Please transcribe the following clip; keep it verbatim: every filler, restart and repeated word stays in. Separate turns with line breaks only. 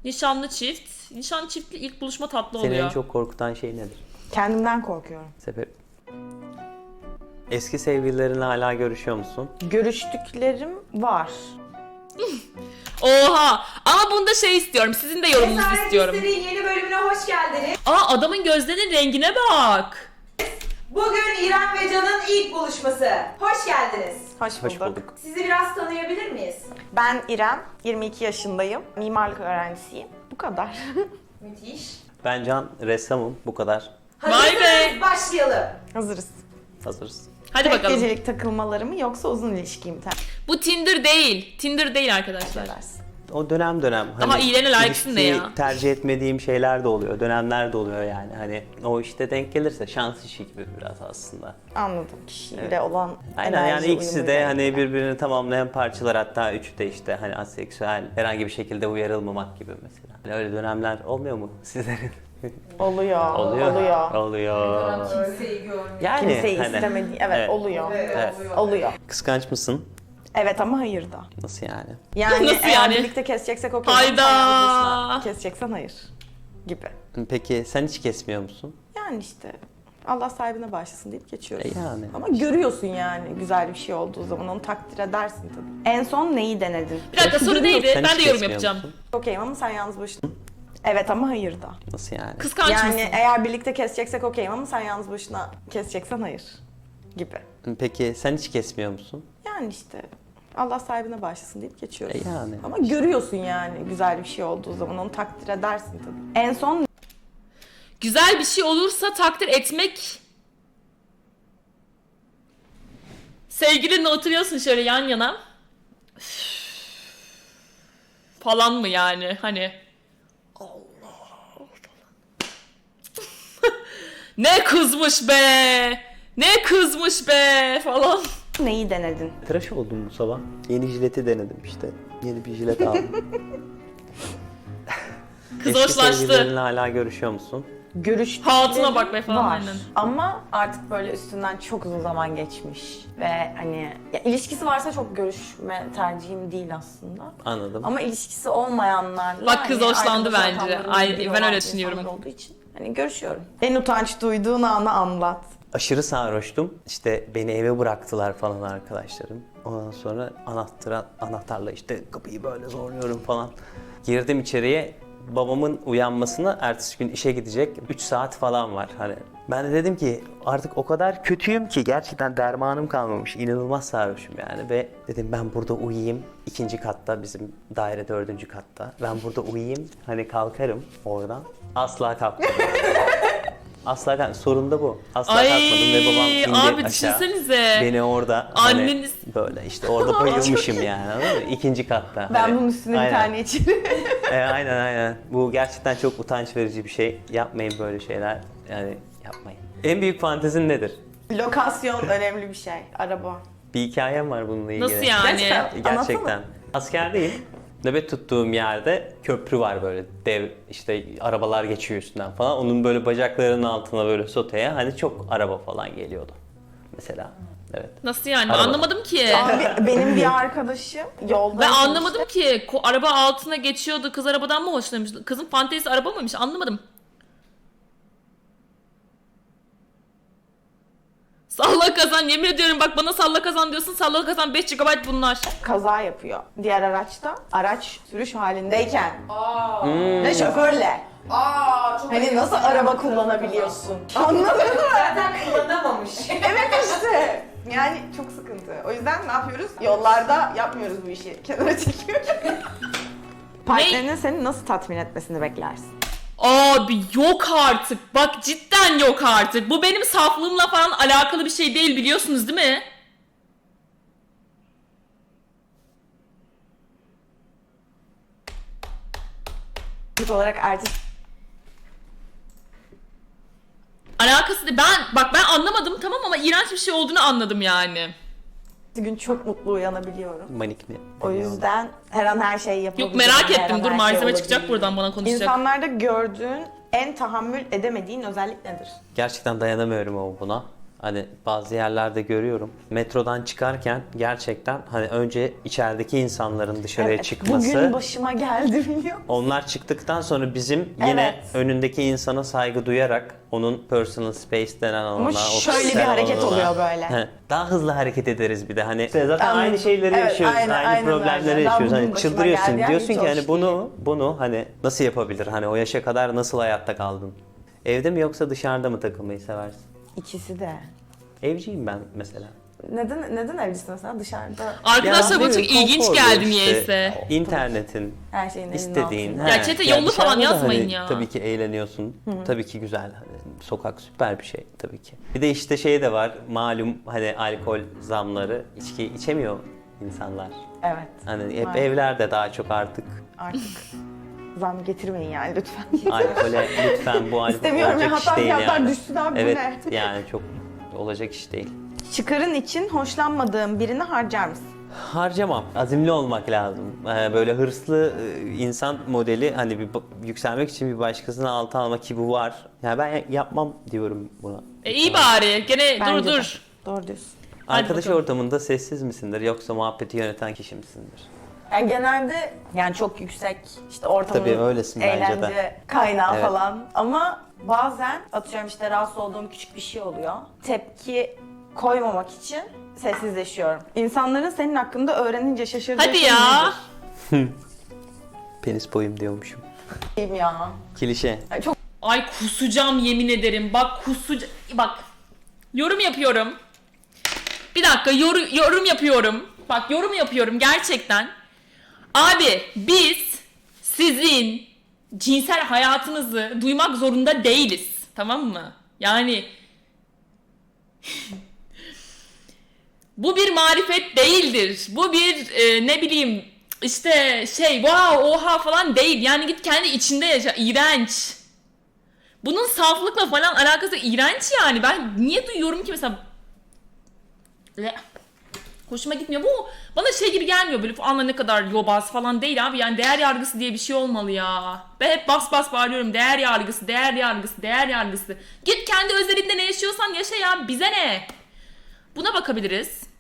Nişanlı çift. Nişanlı çiftli ilk buluşma tatlı
Seni
oluyor.
en çok korkutan şey nedir?
Kendimden korkuyorum.
Sebep? Eski sevgililerinle hala görüşüyor musun?
Görüştüklerim var.
Oha! Ama bunda şey istiyorum. Sizin de yorumunuzu
Cesaret
istiyorum.
İsterik'in yeni bölümüne hoş geldiniz.
Aa, adamın gözlerinin rengine bak.
Bugün İrem ve Can'ın ilk buluşması. Hoş geldiniz.
Hoş bulduk.
Hoş bulduk.
Sizi biraz tanıyabilir miyiz?
Ben İrem, yirmi iki yaşındayım. Mimarlık öğrencisiyim. Bu kadar.
Müthiş.
Ben Can, ressamım. Bu kadar.
Vay
Hazırsanız
be.
başlayalım.
Hazırız.
Hazırız.
Hadi
Tek
bakalım.
gecelik takılmaları mı yoksa uzun ilişki mi
Bu Tinder değil. Tinder değil arkadaşlar.
tercih edersin?
O dönem dönem.
Daha iyilene layıksın de
ilişkiyi
ya.
tercih etmediğim şeyler de oluyor. Dönemler de oluyor yani. Hani o işte denk gelirse şans işi gibi biraz aslında.
Anladım. Kişiyle
Evet.
olan
Aynen
enerji
yani ikisi de
uyumuyla
hani
ilgili.
birbirini tamamlayan parçalar, hatta üçü de işte hani aseksüel, herhangi bir şekilde uyarılmamak gibi mesela. Hani öyle dönemler olmuyor mu sizlerin?
Oluyor.
Oluyor.
Oluyor.
Oluyor.
Kimseyi görmüyor.
Yani
Kimseyi
hani,
istemediği. Evet,
evet.
oluyor.
Evet.
Oluyor.
Kıskanç mısın?
Evet ama hayır da.
Nasıl yani?
Yani
Nasıl
eğer
yani?
birlikte keseceksek okey.
Hayda!
Sen yalnız başına keseceksen hayır. Gibi.
Peki sen hiç kesmiyor musun?
Yani işte Allah sahibine bağışlasın deyip geçiyoruz.
E yani.
Ama görüyorsun yani güzel bir şey olduğu zaman onu takdir edersin tabii. En son neyi denedin?
Bir dakika soru neydi?
Sen
Ben
hiç
de yorum
kesmiyor
yapacağım.
musun?
Okeyim ama sen yalnız başına. Evet ama hayır da.
Nasıl yani?
Kıskanç
Yani
mısın?
eğer birlikte keseceksek okeyim ama sen yalnız başına keseceksen hayır. Gibi.
Peki sen hiç kesmiyor musun?
Yani işte Allah sahibine bağışlasın deyip geçiyoruz.
E yani.
Ama görüyorsun yani güzel bir şey olduğu zaman onu takdir edersin tabii. En son
Güzel bir şey olursa takdir etmek. Sevgilinle oturuyorsun şöyle yan yana. Üf. Falan mı yani hani? Allah. Ne kızmış be! Ne kızmış be falan.
neyi denedin?
Tıraş oldum bu sabah. Yeni jileti denedim işte. Yeni bir jilet aldım.
Kız
Eski
hoşlaştı.
sevgililerinle hala görüşüyor musun?
Görüştüklerim
Hatuna bak be falan,
var.
aynen.
Ama artık böyle üstünden çok uzun zaman geçmiş ve hani ya ilişkisi varsa çok görüşme tercihim değil aslında.
Anladım.
Ama ilişkisi olmayanlarla
Bak kız
hani
hoşlandı
arkadaş
bence.
ortamlarında
Ay,
biri
ben
olan
öyle
insanlar
düşünüyorum.
olduğu için hani görüşüyorum. En utanç duyduğun anı anlat.
Aşırı sarhoştum. İşte beni eve bıraktılar falan arkadaşlarım. Ondan sonra anahtar, anahtarla işte kapıyı böyle zorluyorum falan. Girdim içeriye. Babamın uyanmasına ertesi gün işe gidecek üç saat falan var. Hani ben de dedim ki artık o kadar kötüyüm ki gerçekten dermanım kalmamış. İnanılmaz sarhoşum yani ve dedim ben burada uyuyayım. İkinci katta, bizim daire dördüncü katta. Ben burada uyuyayım. Hani kalkarım oradan. Asla kalkmadım. Asla kalkmadım. Sorun da bu. Asla
Ay,
kalkmadım ve babam indi
abi
aşağı.
düşünsenize.
Beni orada
Anneniz-
hani böyle işte orada bayılmışım yani, anladın mı? İkinci katta.
Ben
Hani,
bunun üstüne bir
aynen.
tane içerim.
E, aynen aynen. Bu gerçekten çok utanç verici bir şey. Yapmayın böyle şeyler. Yani yapmayın. En büyük fantezin nedir?
Lokasyon önemli bir şey. Araba.
Bir hikayem var bununla ilgili.
Nasıl yani?
Gerçekten.
Gerçekten.
Anlatsana.
Askerdeyim. Nöbet tuttuğum yerde köprü var böyle dev, işte arabalar geçiyor üstünden falan. Onun böyle bacaklarının altına böyle soteye hani çok araba falan geliyordu. Mesela. Evet.
Nasıl yani?
Araba.
Anlamadım ki.
Abi benim bir arkadaşım yolda...
Ben anlamadım ki. Ko- araba altına geçiyordu. Kız arabadan mı hoşlanmış? Kızın fantezisi araba mıymış? Anlamadım. Salla kazan. Yemin ediyorum bak bana salla kazan diyorsun. Salla kazan beş gigabayt bunlar.
Kaza yapıyor. Diğer araçta araç sürüş halindeyken
Aa.
Hmm.
ve şoförle.
Aa, çok
Hani nasıl araba kullanabiliyorsun? Anladın mı?
Zaten kullanamamış.
Evet işte. Yani çok sıkıntı. O yüzden ne yapıyoruz? Yollarda yapmıyoruz bu işi. Kenara çekiyoruz. Partnerinin seni nasıl tatmin etmesini beklersin?
Abi yok artık. Bak cidden yok artık. Bu benim saflığımla falan alakalı bir şey değil biliyorsunuz değil mi?
İlk olarak ertesi
Alakası değil. Ben bak ben anlamadım tamam ama iğrenç bir şey olduğunu anladım yani.
gün çok mutlu uyanabiliyorum.
Manik mi?
O yüzden her an her şeyi yapabilirim.
Yok merak
her an
ettim. Dur
her
malzeme
şey
çıkacak
olabilir.
buradan bana konuşacak.
İnsanlarda gördüğün en tahammül edemediğin özellik nedir?
Gerçekten dayanamıyorum ama buna. Hani bazı yerlerde görüyorum. Metrodan çıkarken gerçekten hani önce içerideki insanların dışarıya
Evet,
çıkması.
bugün başıma geldi biliyor musun?
Onlar çıktıktan sonra bizim yine
Evet.
önündeki insana saygı duyarak onun personal space denen alana,
Ama şöyle bir
ofisler
hareket
alanına-
oluyor böyle.
He, daha hızlı hareket ederiz bir de hani İşte zaten
Anladım.
aynı şeyleri
Evet,
yaşıyoruz,
aynen,
aynı
aynen
problemleri
öyle. Daha
yaşıyoruz.
bugün
Hani
başıma
çıldırıyorsun,
geldi, yani
diyorsun
hiç
ki
hoş
hani bunu bunu hani nasıl yapabilir? Hani o yaşa kadar nasıl hayatta kaldın? Evde mi yoksa dışarıda mı takılmayı seversin?
İkisi de.
Evciyim ben mesela.
Neden neden evlisin mesela dışarıda?
Arkadaşlar bu
Ya,
çok ilginç
konforlu
geldi
işte.
niyeyse.
İnternetin,
Her şeyin elinin
İstediğin.
altında.
he.
Ya chat'e yollu falan
dışarıda da
yazmayın
hani
ya.
Tabii ki eğleniyorsun. Tabii ki güzel. Hani sokak süper bir şey tabii ki. Bir de işte şey de var. Malum hani alkol zamları. İçki içemiyor insanlar.
Evet.
Hani hep
Maalesef.
evlerde daha çok artık.
Artık zam getirmeyin yani lütfen.
Alkole lütfen bu alkol
İstemiyorum ya,
olacak iş
hatta
değil
fiyatlar
yani.
düşsün abi, bu
evet,
ne?
yani çok olacak iş değil.
Çıkarın için hoşlanmadığın birini harcar mısın?
Harcamam. Azimli olmak lazım. Ee, böyle hırslı e, insan modeli hani bir ba- yükselmek için bir başkasını altı almak ki bu var. Yani ben yapmam diyorum buna.
E, iyi bari. Gene dur
Bence de.
dur.
Doğru diyorsun.
Hadi
Arkadaş
bakalım.
ortamında sessiz misindir yoksa muhabbeti yöneten kişi misindir?
Yani genelde yani çok yüksek işte ortamın
Tabii, öylesin bence
eğlence
de.
kaynağı
Evet.
falan. Ama bazen atıyorum işte rahatsız olduğum küçük bir şey oluyor. Tepki koymamak için sessizleşiyorum. İnsanların senin hakkında öğrenince şaşırdığı
Hadi
şey
ya.
nedir?
Penis boyum diyormuşum.
Diyeyim ya.
Klişe.
Yani çok
Ay kusacağım yemin ederim. Bak kusacağım. Bak. Yorum yapıyorum. Bir dakika yor- yorum yapıyorum. Bak yorum yapıyorum gerçekten. Abi biz sizin cinsel hayatınızı duymak zorunda değiliz. Tamam mı? Yani bu bir marifet değildir. Bu bir e, ne bileyim işte şey wow oha falan değil. Yani git kendi içinde yaşa. İğrenç. Bunun saflıkla falan alakası iğrenç yani. Ben niye duyuyorum ki mesela Le- hoşuma gitmiyor. Bu bana şey gibi gelmiyor böyle anla ne kadar yobaz falan değil abi. Yani değer yargısı diye bir şey olmalı ya. Ben hep bas bas bağırıyorum. Değer yargısı, değer yargısı, değer yargısı. Git kendi özelinde ne yaşıyorsan yaşa ya. Bize ne? Buna bakabiliriz.